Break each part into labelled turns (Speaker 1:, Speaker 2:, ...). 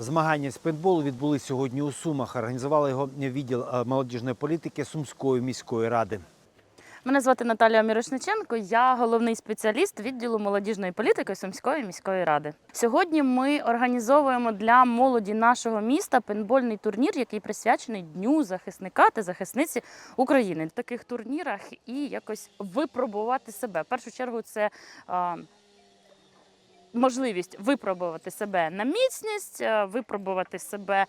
Speaker 1: Змагання з пейнтболу відбулись сьогодні у Сумах. Організували його відділ молодіжної політики Сумської міської ради.
Speaker 2: Мене звати Наталія Мірошниченко, я головний спеціаліст відділу молодіжної політики Сумської міської ради. Сьогодні ми організовуємо для молоді нашого міста пейнтбольний турнір, який присвячений Дню захисника та захисниці України. В таких турнірах і якось випробувати себе. В першу чергу це можливість випробувати себе на міцність, випробувати себе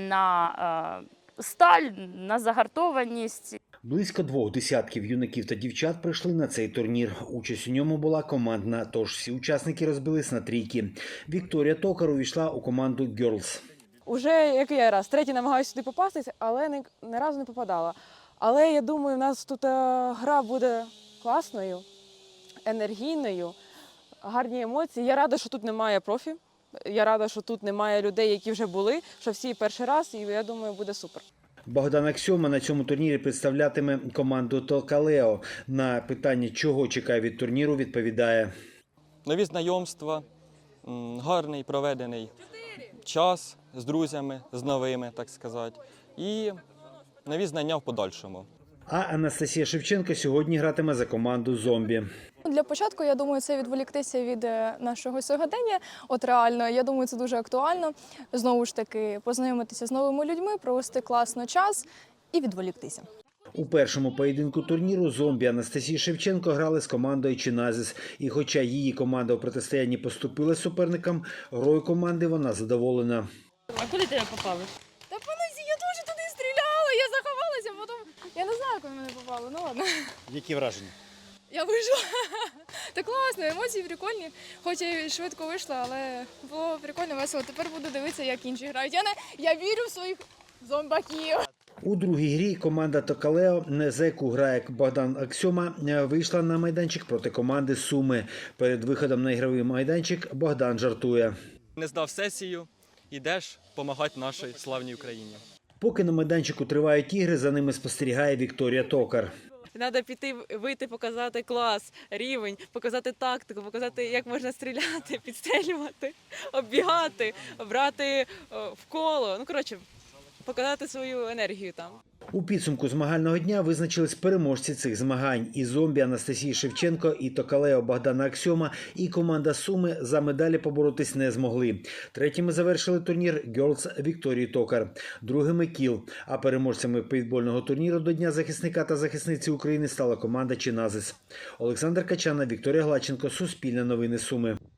Speaker 2: на сталь, на загартованість.
Speaker 1: Близько 2 десятків юнаків та дівчат прийшли на цей турнір. Участь у ньому була командна, тож всі учасники розбились на трійки. Вікторія Токар увійшла у команду «Girls».
Speaker 3: Уже який раз, третій намагаюся сюди попастись, але ні разу не попадала. Але я думаю, у нас тут гра буде класною, енергійною, гарні емоції. Я рада, що тут немає профі. Я рада, що тут немає людей, які вже були, що всі перший раз, і я думаю, буде супер.
Speaker 1: Богдан Аксьома на цьому турнірі представлятиме команду «Толкалео». На питання, чого чекає від турніру, відповідає.
Speaker 4: Нові знайомства, гарний проведений час з друзями, з новими, так сказати, і нові знання в подальшому.
Speaker 1: А Анастасія Шевченко сьогодні гратиме за команду «Зомбі».
Speaker 5: Для початку, я думаю, це відволіктися від нашого сьогодення. От реально, я думаю, це дуже актуально. Знову ж таки, познайомитися з новими людьми, провести класно час і відволіктися.
Speaker 1: У першому поєдинку турніру «Зомбі» Анастасії Шевченко грали з командою «Чиназис». І хоча її команда у протистоянні поступила суперникам, грою команди вона задоволена.
Speaker 2: А куди тебе попали?
Speaker 5: Та поносі, я дуже туди стріляла, я заховалася, потім я не знаю, коли мене попало, ну ладно.
Speaker 1: Які враження?
Speaker 5: Я вийшла. Та класно, емоції прикольні. Хоч я і швидко вийшла, але було прикольно, весело. Тепер буду дивитися, як інші грають. Я вірю в своїх зомбаків.
Speaker 1: У другій грі команда «Толкалео», за яку грає Богдан Аксьома, вийшла на майданчик проти команди «Суми». Перед виходом на ігровий майданчик Богдан жартує.
Speaker 4: Не здав сесію, йдеш допомагати нашій славній Україні.
Speaker 1: Поки на майданчику тривають ігри, за ними спостерігає Вікторія Токар.
Speaker 3: Треба піти, вийти, показати клас, рівень, показати тактику, показати, як можна стріляти, підстрілювати, оббігати, брати в коло. Ну, коротше, показати свою енергію там.
Speaker 1: У підсумку змагального дня визначились переможці цих змагань. І «Зомбі» Анастасії Шевченко, і «Толкалео» Богдана Аксьома, і команда «Суми» за медалі поборотись не змогли. Третіми завершили турнір «Girls» Вікторії Токар, другими «Кіл». А переможцями пейнтбольного турніру до Дня захисника та захисниці України стала команда «Чиназис». Олександр Качана, Вікторія Глаченко, Суспільне новини Суми.